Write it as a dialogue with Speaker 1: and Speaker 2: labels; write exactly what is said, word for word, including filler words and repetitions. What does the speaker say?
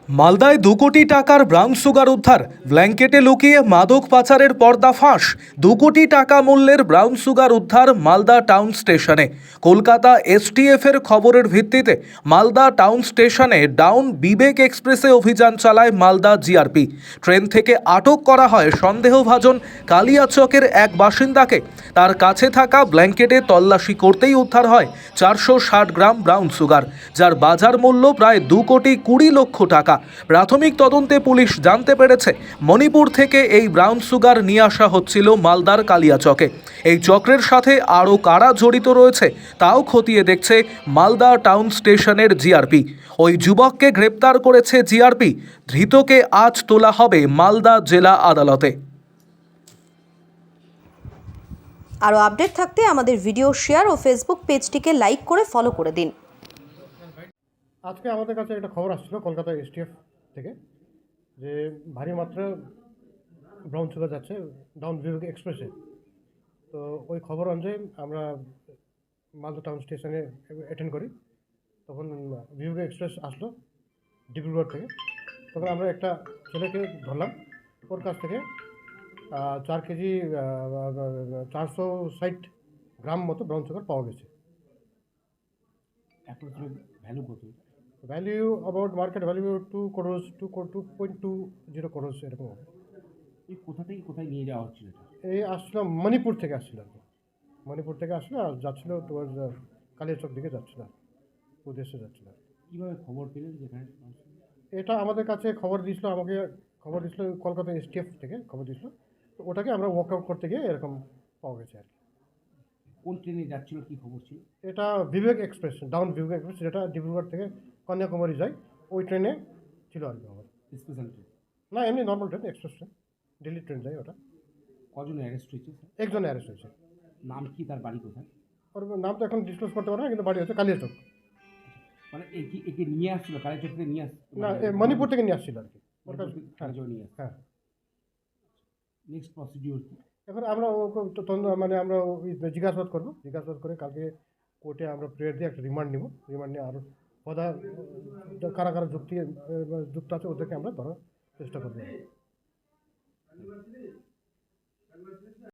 Speaker 1: মালদায় দু কোটি টাকার ব্রাউন সুগার উদ্ধার। ব্ল্যাঙ্কেটে লুকিয়ে মাদক পাচারের পর্দা ফাঁস। দু কোটি টাকা মূল্যের ব্রাউন সুগার উদ্ধার মালদা টাউন স্টেশনে। কলকাতা এসটিএফ এর খবরের ভিত্তিতে মালদা টাউন স্টেশনে ডাউন বিবেক এক্সপ্রেসে অভিযান চালায় মালদা জিআরপি। ট্রেন থেকে আটক করা হয় সন্দেহভাজন কালিয়াচকের এক বাসিন্দাকে। তার কাছে থাকা ব্ল্যাঙ্কেটে তল্লাশি করতেই উদ্ধার হয় চারশো ষাট গ্রাম ব্রাউন সুগার, যার বাজার মূল্য প্রায় দু কোটি কুড়ি লক্ষ টাকা। প্রাথমিক তদন্তে পুলিশ জানতে পেরেছে মণিপুর থেকে এই ব্রাউন সুগার নিয়ে আসা হচ্ছিল মালদার কালিয়াচকে। এই চক্রের সাথে আরও কারা জড়িত রয়েছে তাও খতিয়ে দেখছে মালদা টাউন স্টেশনের জিআরপি। ওই যুবককে গ্রেপ্তার করেছে জিআরপি। ধৃতকে আজ তোলা হবে মালদা জেলা আদালতে।
Speaker 2: আরও আপডেট থাকতে আমাদের ভিডিও শেয়ার ও ফেসবুক পেজটিকে লাইক করে ফলো করে দিন।
Speaker 3: আজকে আমাদের কাছে একটা খবর আসছিল কলকাতা এসটিএফ থেকে যে ভারী মাত্রা ব্রাউন সুগার যাচ্ছে ডাউন বিভাগ এক্সপ্রেসে। তো ওই খবর অনুযায়ী আমরা মালদা টাউন স্টেশনে অ্যাটেন্ড করি। তখন বিভাগ এক্সপ্রেস আসলো ডিব্রুগড় থেকে। তখন আমরা একটা ছেলেকে ধরলাম, ওর কাছ থেকে চার কেজি চারশো ষাট গ্রাম মতো ব্রাউন সুগার পাওয়া গেছে। ভ্যালু কত? Value about market value two crores two two point two zero crores এরকম হবে।
Speaker 4: এই কোথা থেকে কোথায় নিয়ে যাওয়া হচ্ছিল?
Speaker 3: এই আসছিল মণিপুর থেকে আসছিল আর কি, মণিপুর থেকে আসলো আর যাচ্ছিল টুয়ার্ড কালিয়াচক দিকে যাচ্ছিল, উদ্দেশ্যে যাচ্ছিল।
Speaker 4: কীভাবে খবর পেলেন যেখানে?
Speaker 3: এটা আমাদের কাছে খবর দিয়েছিল, আমাকে খবর দিয়েছিল কলকাতা এসটিএফ থেকে খবর দিয়েছিল। তো ওটাকে আমরা ওয়ার্কআউট করতে গিয়ে এরকম পাওয়া গেছে আর কি।
Speaker 4: কোন ট্রেনে যাচ্ছিল, কী খবর ছিল?
Speaker 3: এটা Vivek express, down Vivek express, যেটা ডিব্রুগড় থেকে কন্যাকুমারী যায়, ওই ট্রেনে ছিল আর কি আমার।
Speaker 4: স্পেশাল ট্রেন
Speaker 3: না, এমনি normal train, express train, Delhi train যায় ওটা।
Speaker 4: কজন অ্যারেস্ট হয়েছে?
Speaker 3: একজন অ্যারেস্ট হয়েছে।
Speaker 4: নাম কি, তার বাড়ি কোথায়?
Speaker 3: ওর নাম তো এখন ডিসক্লোজ করতে পারবো না, কিন্তু বাড়ি হচ্ছে কালিয়াচক।
Speaker 4: মানে একে একে নিয়ে আসছিল কালীচক থেকে নিয়ে আসছিল?
Speaker 3: না, মণিপুর থেকে নিয়ে আসছিল আর কি। ওর কাছে
Speaker 4: হ্যাঁ নিয়ে আসছে।
Speaker 3: হ্যাঁ।
Speaker 4: নেক্সট প্রসিডিওর কি?
Speaker 3: এখন আমরা মানে আমরা জিজ্ঞাসাবাদ করবো, জিজ্ঞাসাবাদ করে কালকে কোর্টে আমরা প্রেয়ার দিয়ে একটা রিমান্ড নিব। রিমান্ড নিয়ে আরও পদা কারা কারা যুক্তি যুক্ত আছে ওদেরকে আমরা ধরার চেষ্টা করবো।